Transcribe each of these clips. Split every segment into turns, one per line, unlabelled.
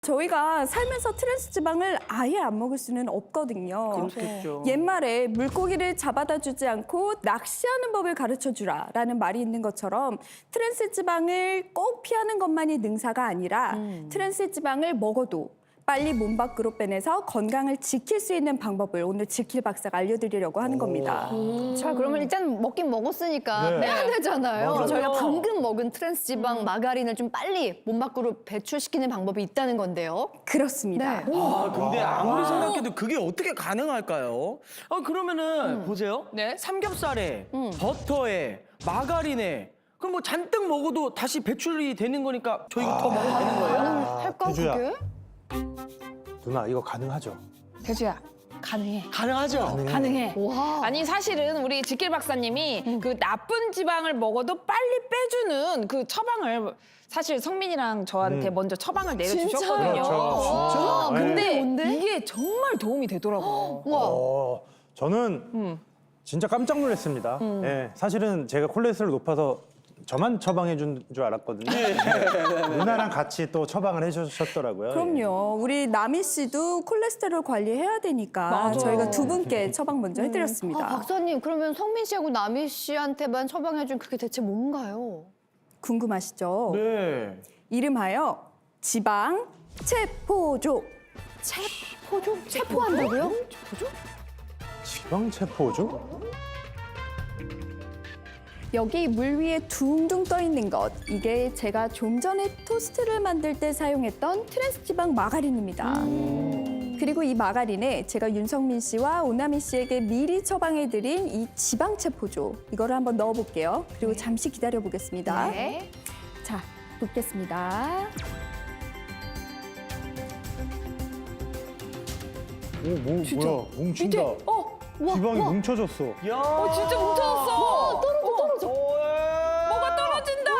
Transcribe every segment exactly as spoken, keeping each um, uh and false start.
저희가 살면서 트랜스 지방을 아예 안 먹을 수는 없거든요.
그렇겠죠.
옛말에 물고기를 잡아다 주지 않고 낚시하는 법을 가르쳐 주라라는 말이 있는 것처럼 트랜스 지방을 꼭 피하는 것만이 능사가 아니라
음.
트랜스 지방을 먹어도 빨리 몸 밖으로 빼내서 건강을 지킬 수 있는 방법을 오늘 지킬 박사가 알려드리려고 하는 겁니다.
자, 그러면 일단 먹긴 먹었으니까
네.
빼야 되잖아요.
맞아요.
저희가 방금 먹은 트랜스 지방 마가린을 좀 빨리 몸 밖으로 배출시키는 방법이 있다는 건데요.
그렇습니다.
네.
아, 근데 아무리 생각해도 그게 어떻게 가능할까요? 아, 그러면은
음.
보세요.
네.
삼겹살에, 버터에, 마가린에 그럼 뭐 잔뜩 먹어도 다시 배출이 되는 거니까 저희 더 먹으면 되는 거예요?
가능할까,
태주야.
그게?
누나 이거 가능하죠?
대주야, 가능해.
가능하죠?
가능해.
와.
아니 사실은 우리 지킬 박사님이 그 나쁜 지방을 먹어도 빨리 빼주는 그 처방을 사실 성민이랑 저한테
음.
먼저 처방을
진짜요?
내려주셨거든요.
그렇죠, 진짜.
와,
네.
근데
뭔데?
이게 정말 도움이 되더라고요.
와.
어, 저는
음.
진짜 깜짝 놀랐습니다. 예, 사실은 제가 콜레스테롤 높아서 저만 처방해 준 줄 알았거든요. 누나랑 같이 또 처방을 해주셨더라고요.
그럼요. 우리 나미 씨도 콜레스테롤 관리해야 되니까
맞아.
저희가 두 분께 처방 먼저
아,
해드렸습니다.
박사님, 그러면 성민 씨하고 나미 씨한테만 처방해준 그게 대체 뭔가요?
궁금하시죠?
네.
이름하여 지방 체포조.
체포죠? 체포한다고요?
지방체포죠?
여기 물 위에 둥둥 떠 있는 것, 이게 제가 좀 전에 토스트를 만들 때 사용했던 트랜스 지방 마가린입니다. 그리고 이 마가린에 제가 윤성민 씨와 오나미 씨에게 미리 처방해드린 이 지방 체포조, 이거를 한번 넣어볼게요. 그리고 잠시 기다려 보겠습니다.
네.
자, 붓겠습니다.
오, 뭐, 뭐야, 뭉친다.
어,
지방이 뭉쳐졌어.
야.
어 진짜 뭉쳐졌어.
떨어져, 떨어져.
뭐가 떨어진다.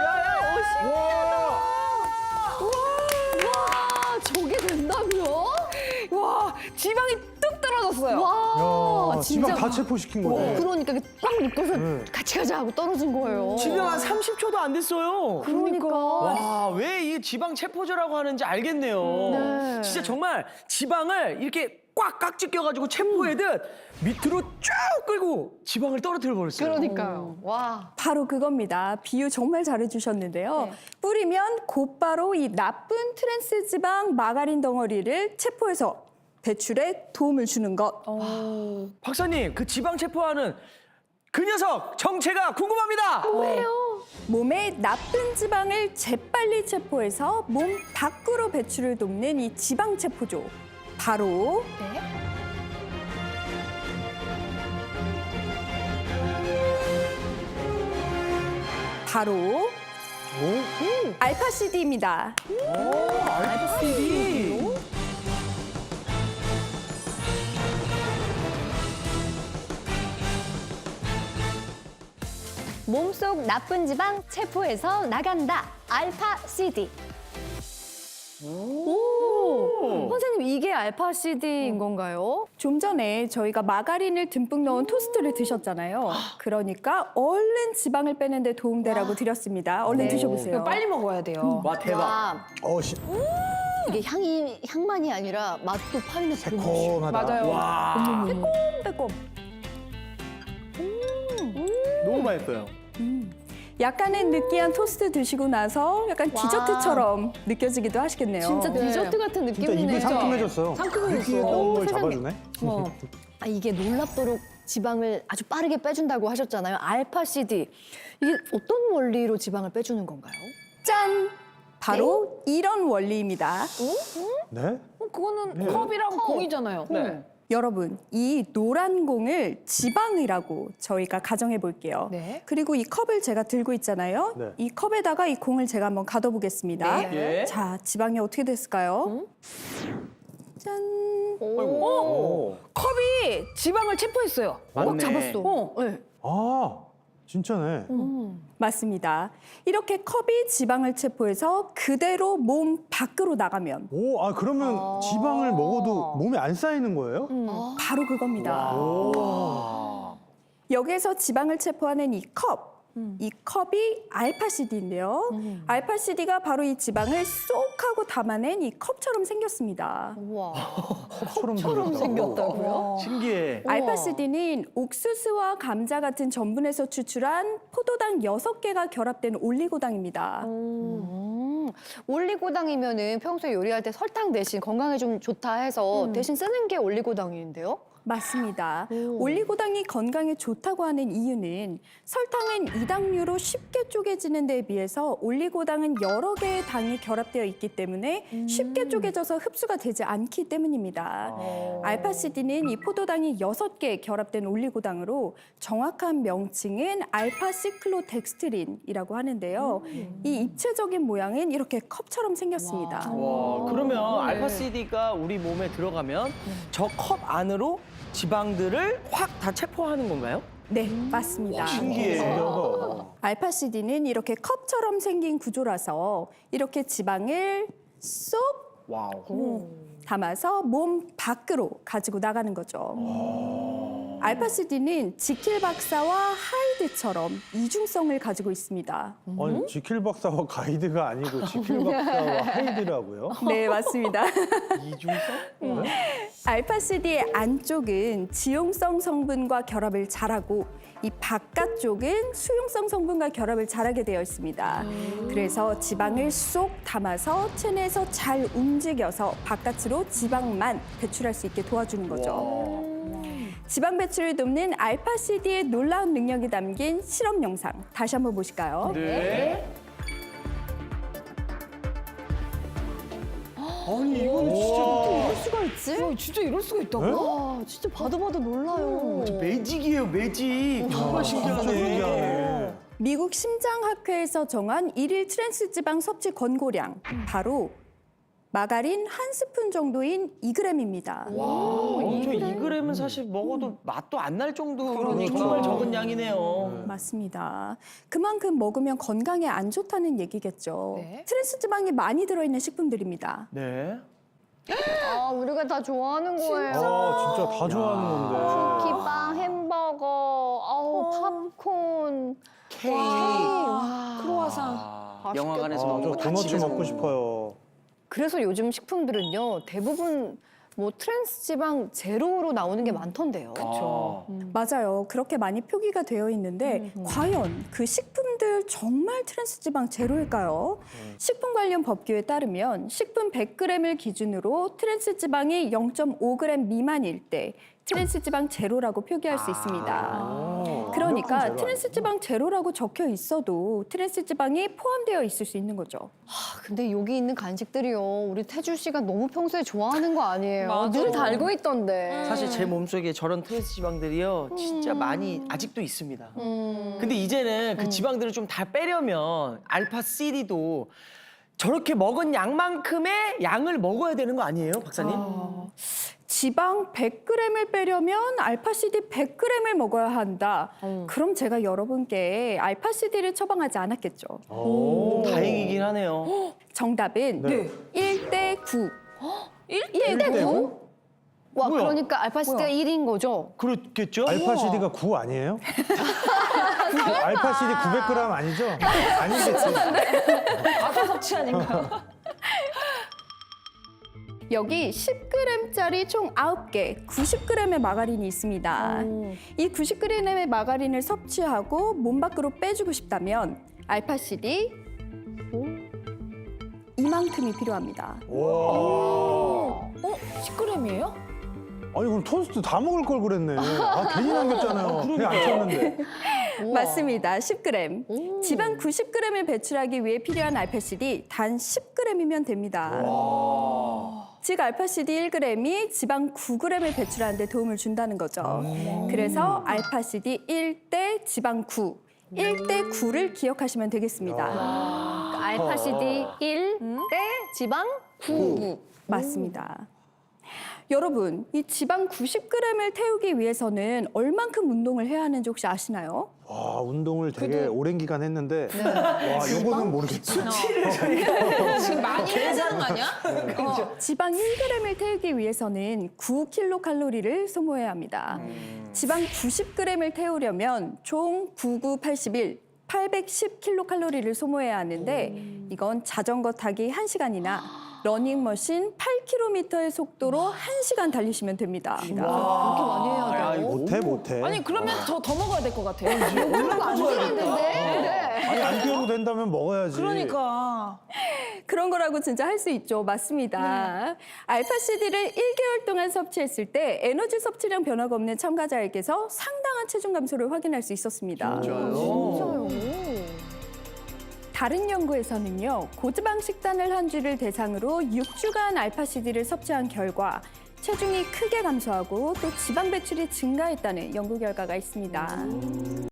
와, 저게 된다고요?
와, 지방이 뚝 떨어졌어요.
와,
야,
진짜.
지방 다 체포시킨 거네.
그러니까 이게 꽉 묶어서
네.
같이 가자 하고 떨어진 거예요.
지금 한 삼십 초도 안 됐어요.
그러니까.
와, 왜 이 지방 체포제라고 하는지 알겠네요.
네.
진짜 정말 지방을 이렇게 꽉 깍지 껴가지고 체포해듯 밑으로 쭉 끌고 지방을 떨어뜨려 버렸어요.
그러니까요. 와.
바로 그겁니다. 비유 정말 잘해주셨는데요.
네.
뿌리면 곧바로 이 나쁜 트랜스 지방 마가린 덩어리를 체포해서 배출에 도움을 주는 것.
박사님, 그 지방 체포하는 그 녀석 정체가 궁금합니다.
몸에 나쁜 지방을 재빨리 체포해서 몸 밖으로 배출을 돕는 이 지방 체포조. 바로
네.
바로
오?
알파시디입니다.
알파시디.
몸속 나쁜 지방 체포해서 나간다. 알파 씨디. 오. 선생님, 이게 알파 씨디인 건가요?
좀 전에 저희가 마가린을 듬뿍 넣은 토스트를 드셨잖아요. 그러니까 얼른 지방을 빼는 데 도움되라고 드렸습니다. 얼른
네.
드셔보세요.
이거 빨리 먹어야 돼요.
와, 대박.
와,
어, 시,
이게 향이 향만이 아니라 맛도 파인애플 맛이.
새콤하다.
맞아요.
와,
빼꼼.
너무 맛있어요.
약간의 느끼한 토스트 드시고 나서 약간
와.
디저트처럼 느껴지기도 하시겠네요.
진짜
네.
디저트 같은
진짜
느낌이네요.
입이 상큼해졌어요.
상큼해졌어.
느끼했던
오,
걸
세상에.
잡아주네.
어.
아, 이게 놀랍도록 지방을 아주 빠르게 빼준다고 하셨잖아요. 알파 씨디. 이게 어떤 원리로 지방을 빼주는 건가요?
짠! 바로 이런 원리입니다.
네?
어, 그거는 컵이랑 공이잖아요.
네.
여러분, 이 노란 공을 지방이라고 저희가 가정해 볼게요.
네.
그리고 이 컵을 제가 들고 있잖아요.
네.
이 컵에다가 이 공을 제가 한번 가둬보겠습니다.
네.
자, 지방이 어떻게 됐을까요? 짠!
오.
컵이 지방을 체포했어요.
맞네.
꽉 잡았어.
어.
네.
아, 진짜네.
맞습니다. 이렇게 컵이 지방을 체포해서 그대로 몸 밖으로 나가면
오, 아, 그러면
아.
지방을 먹어도 몸에 안 쌓이는 거예요?
바로 그겁니다.
와.
여기에서 지방을 체포하는 이 컵, 이 컵이 알파시디인데요. 알파시디가 바로 이 지방을 쏙 하고 담아낸 이 컵처럼 생겼습니다.
우와.
처럼
처럼 생겼다고요?
신기해.
우와.
알파시디는 옥수수와 감자 같은 전분에서 추출한 포도당 여섯 개가 결합된 올리고당입니다.
음, 올리고당이면은 평소에 요리할 때 설탕 대신 건강에 좀 좋다 해서 대신 쓰는 게 올리고당인데요?
맞습니다. 올리고당이 건강에 좋다고 하는 이유는 설탕은 이당류로 쉽게 쪼개지는 데에 비해서 올리고당은 여러 개의 당이 결합되어 있기 때문에 쉽게 쪼개져서 흡수가 되지 않기 때문입니다. 알파시디는 이 포도당이 여섯 개 결합된 올리고당으로 정확한 명칭은 알파시클로덱스트린이라고 하는데요. 이 입체적인 모양은 이렇게 컵처럼 생겼습니다.
와, 그러면 알파시디가 우리 몸에 들어가면 저 컵 안으로 지방들을 확 다 체포하는 건가요?
네, 맞습니다.
신기해.
알파시디는 이렇게 컵처럼 생긴 구조라서 이렇게 지방을 쏙
와우.
담아서 몸 밖으로 가지고 나가는 거죠. 알파시디는 지킬 박사와 하이드처럼 이중성을 가지고 있습니다.
아니, 지킬 박사와 가이드가 아니고 지킬 박사와 하이드라고요?
네, 맞습니다.
이중성?
알파시디의 안쪽은 지용성 성분과 결합을 잘하고 이 바깥쪽은 수용성 성분과 결합을 잘하게 되어 있습니다. 그래서 지방을 쏙 담아서 체내에서 잘 움직여서 바깥으로 지방만 배출할 수 있게 도와주는 거죠. 지방 배출을 돕는 알파시디의 놀라운 능력이 담긴 실험 영상 다시 한번 보실까요?
네. 아니, 이건 진짜
이럴 수가 있지?
어, 진짜 이럴 수가 있다고?
와, 진짜 봐도 봐도 놀라요.
매직이에요, 매직. 정말
진짜 신기하네.
미국 심장학회에서 정한 일일 트랜스 지방 섭취 권고량 바로 마가린 한 스푼 정도인 이 그램입니다.
와, 엄청 이 그램은 사실 먹어도 맛도 안 날 정도로 정말 적은 양이네요.
맞습니다. 그만큼 먹으면 건강에 안 좋다는 얘기겠죠.
네.
트랜스 지방이 많이 들어있는 식품들입니다.
네.
아, 우리가 다 좋아하는 거예요.
아, 진짜 다 좋아하는 건데.
쿠키빵, 햄버거, 아우, 팝콘,
케이크.
와.
크로와상.
아, 영화관에서
아,
먹는
저
거다
도넛
집에서
먹고
먹는 거.
싶어요.
그래서 요즘 식품들은요, 대부분 뭐 트랜스 지방 제로로 나오는 게 많던데요.
그렇죠.
맞아요. 그렇게 많이 표기가 되어 있는데 과연 그 식품들 정말 트랜스 지방 제로일까요? 식품 관련 법규에 따르면 식품 백 그램을 기준으로 트랜스 지방이 영 점 오 그램 미만일 때 트랜스 지방 제로라고 표기할 수 있습니다. 그러니까
제로
트랜스 지방 제로라고 적혀 있어도 트랜스 지방이 포함되어 있을 수 있는 거죠.
아, 근데 여기 있는 간식들이요, 우리 태주 씨가 너무 평소에 좋아하는 거 아니에요?
맞아.
늘 달고 있던데.
사실 제 몸속에 저런 트랜스 지방들이요 진짜 많이 아직도 있습니다. 근데 이제는 그 지방들을 좀 다 빼려면 알파 씨디도 저렇게 먹은 양만큼의 양을 먹어야 되는 거 아니에요, 박사님?
지방 백 그램을 빼려면 알파시디 백 그램을 먹어야 한다. 그럼 제가 여러분께 알파시디를 처방하지 않았겠죠.
오, 다행이긴 하네요.
정답은
네.
일 대 구.
일 대 구? 와,
뭐야?
그러니까 알파시디가 일인 거죠?
그렇겠죠?
알파시디가 구 아니에요? 알파시디 구백 그램 아니죠? 아니겠지.
과다 섭취 아닌가요?
여기 십 그램짜리 총 아홉 개, 구십 그램의 마가린이 있습니다. 이 구십 그램의 마가린을 섭취하고 몸 밖으로 빼주고 싶다면 알파시디 이만큼이 필요합니다.
와.
어? 십 그램이에요?
아니 그럼 토스트 다 먹을 걸 그랬네. 아 괜히 남겼잖아요. 배 안 찼는데.
맞습니다. 십 그램. 지방 구십 그램을 배출하기 위해 필요한 알파시디 단 십 그램이면 됩니다. 즉 알파시디 일 그램이 지방 구 그램을 배출하는 데 도움을 준다는 거죠. 그래서 알파시디 일 대 지방 구, 일 대 구를 기억하시면 되겠습니다.
그러니까 알파시디 일 대 지방 구.
맞습니다. 여러분, 이 지방 구십 그램을 태우기 위해서는 얼만큼 운동을 해야 하는지 혹시 아시나요?
와 운동을 되게 오랜 기간 했는데 와 요거는 모르겠다.
지금 많이 해야 되는 거 아니야?
어, 지방 일 그램을 태우기 위해서는 구 킬로칼로리를 소모해야 합니다. 지방 구십 그램을 태우려면 총 구, 구, 팔십일, 팔백십 킬로칼로리를 소모해야 하는데 이건 자전거 타기 한 시간이나 러닝머신 팔 킬로미터의 속도로 한 시간 달리시면 됩니다.
그렇게 많이 해야 돼요?
못해 못해.
아니 그러면 더 더 먹어야 될 것 같아요.
그러면 안 되겠는데? 네.
아니 안 뛰어도 된다면 먹어야지.
그러니까.
그런 거라고 진짜 할 수 있죠. 맞습니다. 알파씨디를 일 개월 동안 섭취했을 때 에너지 섭취량 변화가 없는 참가자에게서 상당한 체중 감소를 확인할 수 있었습니다.
진짜요?
다른 연구에서는요, 고지방 식단을 한 주를 대상으로 육 주간 알파씨디를 섭취한 결과 체중이 크게 감소하고 또 지방 배출이 증가했다는 연구 결과가 있습니다.